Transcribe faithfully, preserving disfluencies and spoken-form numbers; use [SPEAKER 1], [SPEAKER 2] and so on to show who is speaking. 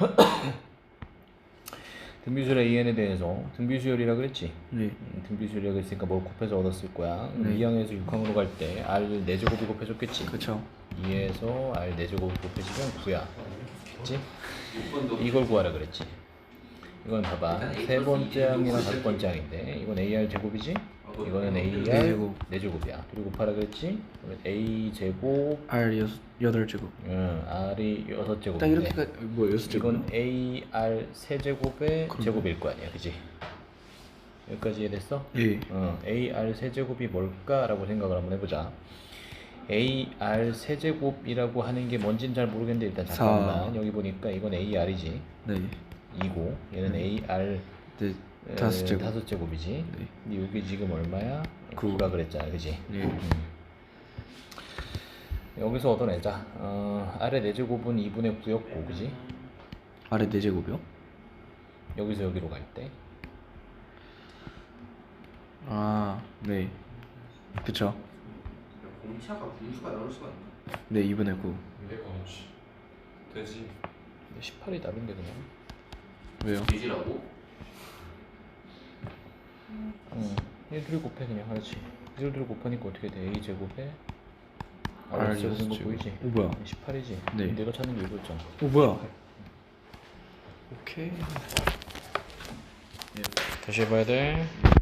[SPEAKER 1] 등비수열 an에 대해서 등비수열이라 그랬지?
[SPEAKER 2] 네.
[SPEAKER 1] 음, 등비수열이라고 했으니까 뭘 곱해서 얻었을 거야.
[SPEAKER 2] 네.
[SPEAKER 1] 이 항에서 육 항으로 갈 때 r 네 제곱이 곱해줬겠지?
[SPEAKER 2] 그쵸.
[SPEAKER 1] 이에서 r 네 제곱이 곱해지면 구야. 그치? 이걸 구하라 그랬지. 이건 봐봐. 세 번째 항이랑 다섯 번째 항인데 이건 ar 제곱이지? 이거는 ar
[SPEAKER 2] 네 제곱.
[SPEAKER 1] 네 제곱이야. 그리고 곱하라 그랬지? 그러면 a 제곱
[SPEAKER 2] R 여섯 여덟 제곱.
[SPEAKER 1] 응, r이 여섯
[SPEAKER 2] 딱
[SPEAKER 1] 제곱인데
[SPEAKER 2] 이렇게가 뭐 여섯 제곱?
[SPEAKER 1] 이건 ar 세제곱의
[SPEAKER 2] 그럼.
[SPEAKER 1] 제곱일 거 아니야, 그지? 여기까지 이해됐어?
[SPEAKER 2] 예.
[SPEAKER 1] 어, ar 세제곱이 뭘까라고 생각을 한번 해보자. ar 세제곱이라고 하는 게 뭔지는 잘 모르겠는데 일단 잠깐만.
[SPEAKER 2] 사.
[SPEAKER 1] 여기 보니까 이건 ar이지.
[SPEAKER 2] 네.
[SPEAKER 1] 이고 얘는 ar
[SPEAKER 2] 네.
[SPEAKER 1] 에,
[SPEAKER 2] 다섯 제곱.
[SPEAKER 1] 다섯 제곱이지.
[SPEAKER 2] 네.
[SPEAKER 1] 근데 여기 지금 얼마야?
[SPEAKER 2] 구.
[SPEAKER 1] 구라 그랬잖아, 그지?
[SPEAKER 2] 네.
[SPEAKER 1] 음. 여기서 얻어내자. 어, r의 네 제곱은 이분의 구였고, 그지?
[SPEAKER 2] 아래 네 제곱이요?
[SPEAKER 1] 여기서 여기로 갈 때.
[SPEAKER 2] 아, 네. 그쵸.
[SPEAKER 3] 공차가 분수가 나올 수가 있나?
[SPEAKER 2] 네, 이분의 구.
[SPEAKER 4] 내가 없지. 되지.
[SPEAKER 1] 십팔이 답인데 그냥.
[SPEAKER 2] 왜요?
[SPEAKER 3] 돼지라고?
[SPEAKER 1] 응. 얘들을 곱해 그냥 하지. 얘들을 곱하니까 어떻게 돼? a 제곱에
[SPEAKER 2] R
[SPEAKER 1] r 제곱인 거
[SPEAKER 2] 여섯 제곱.
[SPEAKER 1] 보이지?
[SPEAKER 2] 어, 뭐야?
[SPEAKER 1] 십팔이지.
[SPEAKER 2] 네.
[SPEAKER 1] 내가 찾는 게 이거였잖아.
[SPEAKER 2] 어, 뭐야? 오케이.
[SPEAKER 1] 다시 해봐야 돼.